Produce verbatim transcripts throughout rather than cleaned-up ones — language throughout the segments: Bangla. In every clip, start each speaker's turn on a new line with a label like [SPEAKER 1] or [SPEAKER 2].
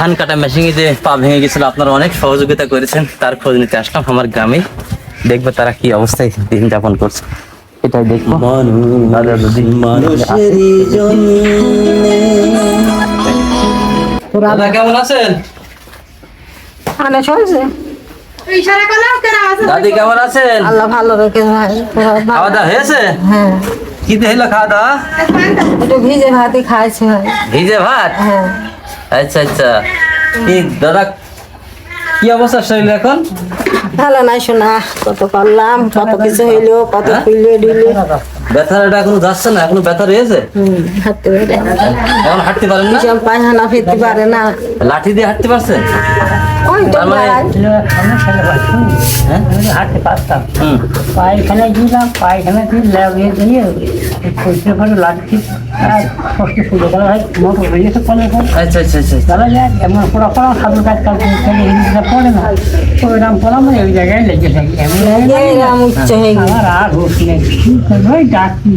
[SPEAKER 1] ধান কাটা মেশিনে যে পা ভেঙে গেছিল, আপনারা অনেক সহযোগিতা করেছেন, তার খোঁজ নিতে আসলাম আমার গ্রামে। দেখবো তারা কি অবস্থায় দিন যাপন করছে, এটাই দেখবো। দাদা কেমন আছেন? দাদি কেমন আছেন?
[SPEAKER 2] আল্লাহ ভালো রেখে ভাই।
[SPEAKER 1] খাওয়া দাওয়া হয়েছে?
[SPEAKER 2] হ্যাঁ।
[SPEAKER 1] কি হলো খাওয়া দাওয়া?
[SPEAKER 2] একটু ভিজে ভাতই খাইছে ভাই।
[SPEAKER 1] ভিজে ভাত?
[SPEAKER 2] হ্যাঁ।
[SPEAKER 1] আচ্ছা আচ্ছা। কি দাদা কি অবস্থা শরীর এখন?
[SPEAKER 2] ভালো নাই শোনা, কত করলাম, কত কিছু হইলো, কত খুইলে দিলে।
[SPEAKER 1] ব্যথাটা এখনো যাচ্ছে না? এখনো ব্যথা রয়েছে?
[SPEAKER 2] হম হাঁটতে পারে
[SPEAKER 1] এখন হাঁটতে পারেন না?
[SPEAKER 2] সব পায়খানা ফিরতে পারে না।
[SPEAKER 1] লাঠি দিয়ে হাঁটতে পারছেন?
[SPEAKER 2] ওই তো
[SPEAKER 1] তার মানে- হ্যাঁ?
[SPEAKER 3] হাঁটতে পারতাম,
[SPEAKER 1] হুম।
[SPEAKER 3] পায়খানায় দিলাম, পায়খানা দিয়ে লাগিয়ে দিয়ে পরিষ্কার করে লাগছি আর কষ্ট শুরু করা হয়। মোটর বেরিয়েছে ফলে
[SPEAKER 1] আচ্ছা আচ্ছা আচ্ছা।
[SPEAKER 3] চলা যায়, এমন পড়া পড়া সাধু কাজ কাজ হিন্দিটা পড়ে না, ওইরাম পড়াম ওই জায়গায় লেগে থাকি। এমন
[SPEAKER 2] এরম উচ্চ হয়ে গেছে।
[SPEAKER 3] আমার আর হুশ নেই, ওই ডাকি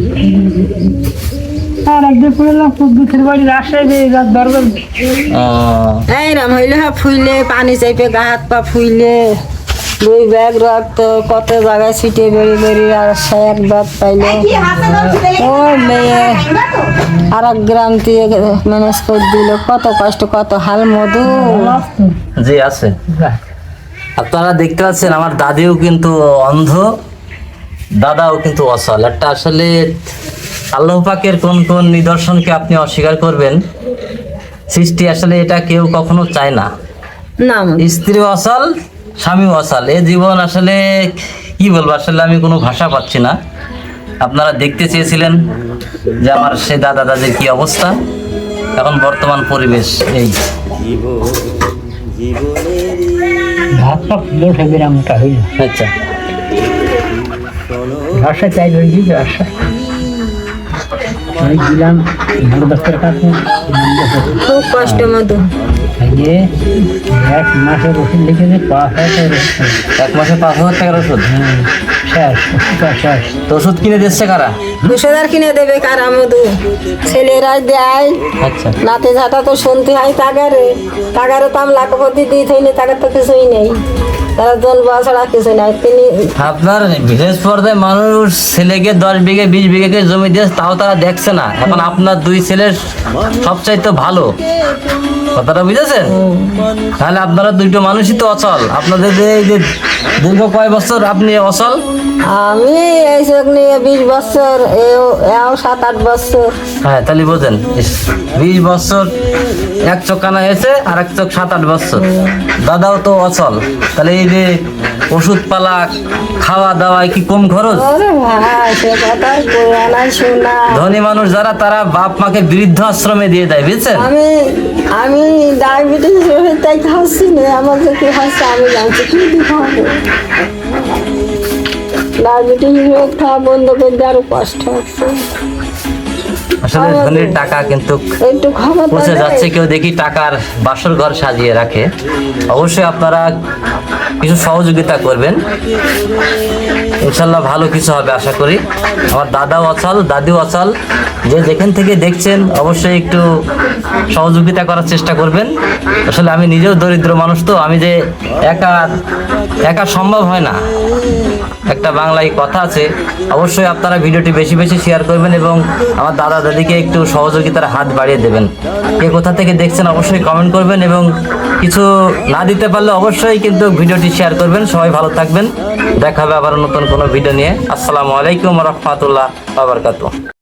[SPEAKER 3] আর একদিন পড়লাম খুব দুঃখের বাড়ি রাস্তায় যে দরকার
[SPEAKER 1] ও
[SPEAKER 2] এইরম হইলে হ্যাঁ ফুইলে পানি চাইপে গা হাত পা ফুইলে দুই ব্যাগ রক্ত কত জায়গায় ছিটে বেড়ে বেড়ে আর সে এক ব্যাগ পাইলে ও মেয়ে আর এক গ্রাম দিয়ে ম্যানেজ করে দিল। কত কষ্ট, কত হাল মধু।
[SPEAKER 1] জি আছে। আপনারা দেখতে পাচ্ছেন আমার দাদিও কিন্তু অন্ধ, দাদাও কিন্তু অসল। একটা আসলে আল্লাহ পাকের কোন কোন নিদর্শনকে আপনি অস্বীকার করবেন? সৃষ্টি আসলে এটা কেউ কখনো চায় না।
[SPEAKER 2] না
[SPEAKER 1] স্ত্রী অসল, স্বামী অসল, এ জীবন আসলে কি বলবো, আসলে আমি কোনো ভাষা পাচ্ছি না। আপনারা দেখতে চেয়েছিলেন যে আমার সে দাদা দাদির কি অবস্থা, এখন বর্তমান পরিবেশ এই।
[SPEAKER 3] ভাত সব বসে বিরামটা হইল,
[SPEAKER 1] আচ্ছা
[SPEAKER 3] ভাষা চাই রয়েছি ভাষা আমি দিলাম বড় দপ্তর কাছে
[SPEAKER 2] খুব কষ্ট মধু।
[SPEAKER 3] যে এক মাসের ওষুধ লিখেছে পাঁচ হাজার
[SPEAKER 1] এক মাসে পাঁচ হাজার টাকার ওষুধ?
[SPEAKER 3] শেষ ওষুধটা শেষ।
[SPEAKER 1] তো ওষুধ কিনে দিচ্ছে কারা?
[SPEAKER 2] দুশোদার কিনে দেবে কারা মধু? ছেলেরাই দেয়।
[SPEAKER 1] আচ্ছা
[SPEAKER 2] নাতে ঝাঁটা তো শুনতে হয় তাগারে, তাগারে তো আমি লাখপতি দিয়ে থইনি, তাগার তো কিছুই নেই, তারা জল বাছড়া কিছু নাই। তিনি
[SPEAKER 1] আপনার ভিলেজ পর্যায়ে মানুষ ছেলেকে দশ বিঘে বিশ বিঘে করে জমি দিয়েছে, তাও তারা দেখছে না। এখন আপনার দুই ছেলের সবচাইতে ভালো, কথাটা বুঝেছেন? তাহলে আপনারা দুইটো মানুষই তো অচল। আপনাদের যে এই যে দীর্ঘ কয় বছর আপনি অচল?
[SPEAKER 2] আমি এই চোখ নিয়ে বিশ বছর, এও এও সাত আট বছর।
[SPEAKER 1] হ্যাঁ তাহলে বোঝেন, বিশ বছর এক চোখ কানা হয়েছে আর এক চোখ সাত আট বছর। দাদাও তো অচল, তাহলে এই যে ওষুধ পালা খাওয়া দাওয়ায় কি কম খরচ?
[SPEAKER 2] ওরে ভাই সে কথা কইয়া নাই শোনা।
[SPEAKER 1] ধনী মানুষ যারা তারা বাপ মাকে বৃদ্ধ আশ্রমে দিয়ে দেয়, বুঝছেন?
[SPEAKER 2] আমি আমি ডায়াবেটিস রোগে তাই খাচ্ছি না, আমার যে কি হচ্ছে আমি জানছি, কি দিতে হবে। ডায়াবেটিস রোগ খাওয়া বন্ধ করে দিয়ে আরো কষ্ট হচ্ছে।
[SPEAKER 1] আসলে ধনীর টাকা কিন্তু
[SPEAKER 2] একটু খবর
[SPEAKER 1] পৌঁছে
[SPEAKER 2] দেয়।
[SPEAKER 1] যাচ্ছে, কেউ দেখি টাকার বাসর ঘর সাজিয়ে রাখে। অবশ্যই আপনারা কিছু সহযোগিতা করবেন, ইনশাল্লাহ ভালো কিছু হবে আশা করি। আমার দাদাও অচল, দাদিও অচল, যে যেখান থেকে দেখছেন অবশ্যই একটু সহযোগিতা করার চেষ্টা করবেন। আসলে আমি নিজেও দরিদ্র মানুষ, তো আমি যে একা একা সম্ভব হয় না। একটা বাংলায় কথা আছে, অবশ্যই আপনারা ভিডিওটি বেশি বেশি শেয়ার করবেন এবং আমার দাদা দাদিকে একটু সহযোগিতার হাত বাড়িয়ে দেবেন। কে কোথা থেকে দেখছেন অবশ্যই কমেন্ট করবেন এবং কিছু না দিতে পারলে অবশ্যই কিন্তু ভিডিওটি শেয়ার করবেন। সবাই ভালো থাকবেন, দেখা হবে আবার নতুন কোনো ভিডিও নিয়ে। আসসালামু আলাইকুম ওয়া রাহমাতুল্লাহি ওয়া বারাকাতুহু।